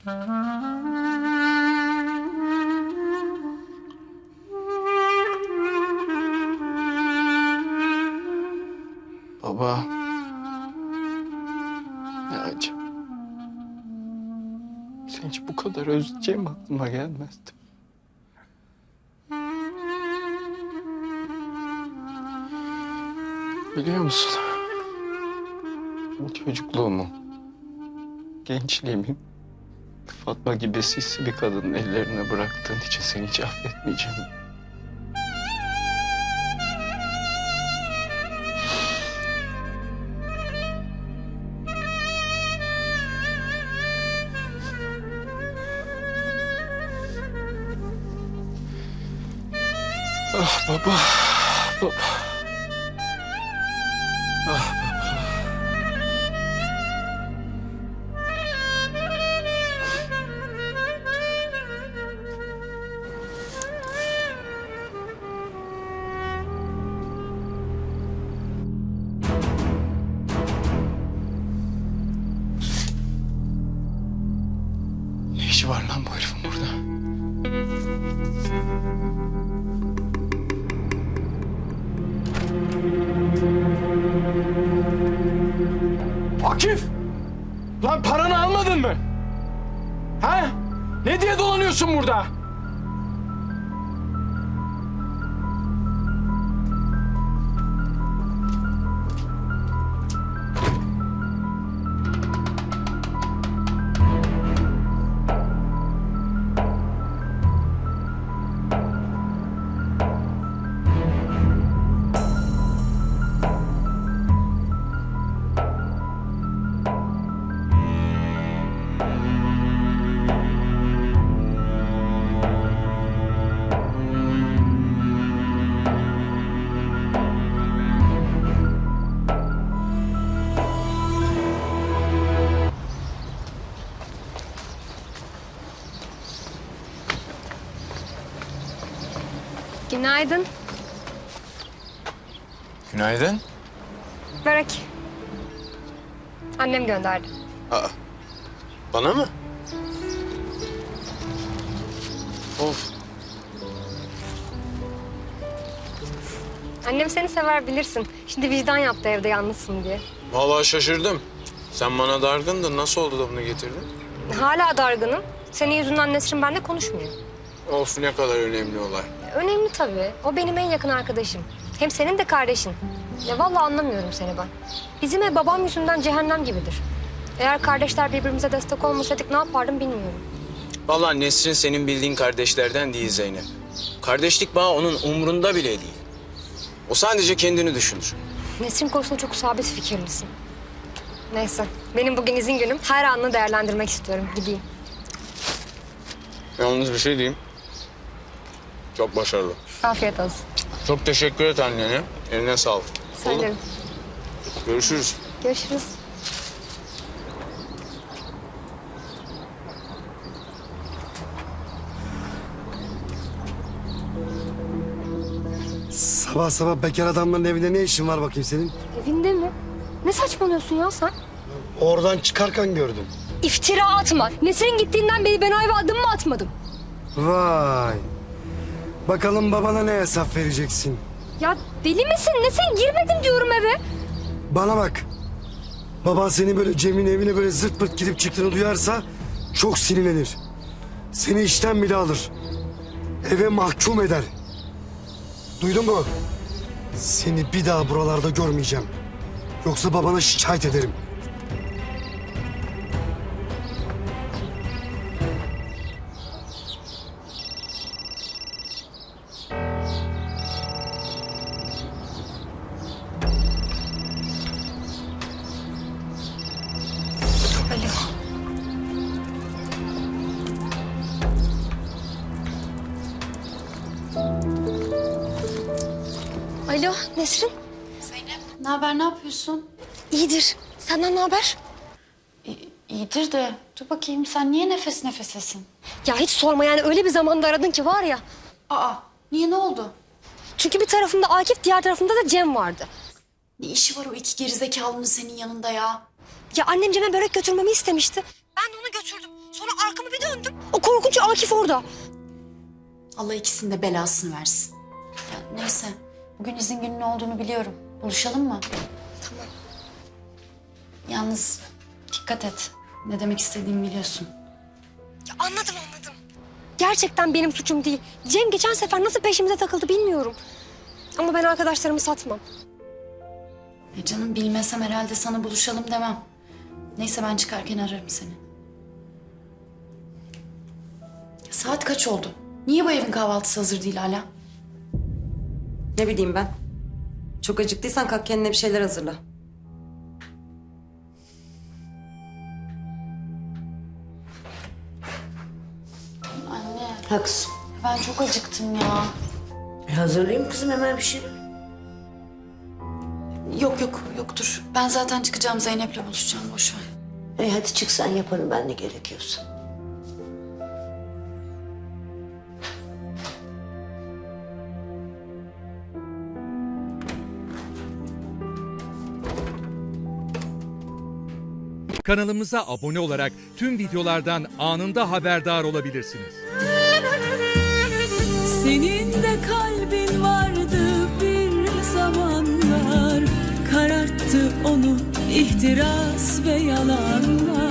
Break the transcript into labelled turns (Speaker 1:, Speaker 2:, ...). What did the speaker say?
Speaker 1: Baba. Ne acı. Seni hiç bu kadar özleyeceğim aklıma gelmezdi. Biliyor musun? Çocukluğumu, gençliğimi Fatma gibi sisli bir kadının ellerine bıraktığın için seni hiç affetmeyeceğim. Ah baba, baba. Ah baba. Ne işi var lan bu herifin burada? Akif! Lan paranı almadın mı? Ha? Ne diye dolanıyorsun burada?
Speaker 2: Günaydın.
Speaker 1: Günaydın.
Speaker 2: Börek. Annem gönderdi.
Speaker 1: Aa, bana mı? Of.
Speaker 2: Annem seni sever bilirsin. Şimdi vicdan yaptı evde yalnızsın diye.
Speaker 3: Vallahi şaşırdım. Sen bana dargındın. Nasıl oldu da bunu getirdin?
Speaker 2: Hala dargınım. Senin yüzünden Nesrin benimle konuşmuyor.
Speaker 3: Of ne kadar önemli olay.
Speaker 2: Önemli tabii. O benim en yakın arkadaşım. Hem senin de kardeşin. Ya vallahi anlamıyorum seni ben. Bizim ev babam yüzünden cehennem gibidir. Eğer kardeşler birbirimize destek olmasaydık ne yapardım bilmiyorum.
Speaker 3: Vallahi Nesrin senin bildiğin kardeşlerden değil Zeynep. Kardeşlik bağı onun umrunda bile değil. O sadece kendini düşünür.
Speaker 2: Nesrin konusunda çok sabit fikirlisin. Neyse, benim bugün izin günüm. Her anını değerlendirmek istiyorum. Gideyim.
Speaker 3: Yalnız bir şey diyeyim. Çok başarılı.
Speaker 2: Afiyet olsun.
Speaker 3: Çok teşekkür et annene. Eline sağlık.
Speaker 2: Söylerim.
Speaker 3: Görüşürüz.
Speaker 2: Görüşürüz.
Speaker 4: Sabah sabah bekar adamların evinde ne işin var bakayım senin?
Speaker 2: Evinde mi? Ne saçmalıyorsun ya sen?
Speaker 4: Oradan çıkarken gördüm.
Speaker 2: İftira atma. Nesrin gittiğinden beri ben o eve adım mı atmadım?
Speaker 4: Vay. Bakalım babana ne hesap vereceksin?
Speaker 2: Ya deli misin? Nesrin girmedim diyorum eve.
Speaker 4: Bana bak. Baban seni böyle Cem'in evine böyle zırt pırt gidip çıktığını duyarsa çok sinirlenir. Seni işten bile alır. Eve mahkum eder. Duydun mu? Seni bir daha buralarda görmeyeceğim. Yoksa babana şikayet ederim.
Speaker 2: Alo. Alo Nesrin.
Speaker 5: Zeynep, ne haber, ne yapıyorsun?
Speaker 2: İyidir. Senden ne haber?
Speaker 5: İyidir de, dur bakayım sen niye nefes nefesesin?
Speaker 2: Ya hiç sorma yani öyle bir zamanda aradın ki var ya.
Speaker 5: Aa, niye ne oldu?
Speaker 2: Çünkü bir tarafımda Akif, diğer tarafımda da Cem vardı.
Speaker 5: Ne işi var o iki gerizekalının senin yanında ya?
Speaker 2: Ya annem Cem'e börek götürmemi istemişti. Ben de onu götürdüm. Sonra arkamı bir döndüm. O korkunç Akif orada.
Speaker 5: Allah ikisinin de belasını versin. Ya neyse. Bugün izin günün olduğunu biliyorum. Buluşalım mı?
Speaker 2: Tamam.
Speaker 5: Yalnız dikkat et. Ne demek istediğimi biliyorsun.
Speaker 2: Ya anladım. Gerçekten benim suçum değil. Cem geçen sefer nasıl peşimize takıldı bilmiyorum. Ama ben arkadaşlarımı satmam.
Speaker 5: Canım bilmesem herhalde sana buluşalım demem. Neyse ben çıkarken ararım seni. Saat kaç oldu? Niye bu evin kahvaltısı hazır değil hala?
Speaker 6: Ne bileyim ben. Çok acıktıysan kalk kendine bir şeyler hazırla.
Speaker 5: Anne
Speaker 7: Haklısın.
Speaker 5: ben çok acıktım ya.
Speaker 7: Hazırlayayım kızım hemen bir şey.
Speaker 5: Yok dur. Ben zaten çıkacağım, Zeynep'le buluşacağım, boş ver.
Speaker 7: Hadi çık sen, yaparım ben ne gerekiyorsa.
Speaker 8: Kanalımıza abone olarak tüm videolardan anında haberdar olabilirsiniz.
Speaker 9: Senin de kalbin vardı bir zamanlar, kararttı onu ihtiras ve yalanlar.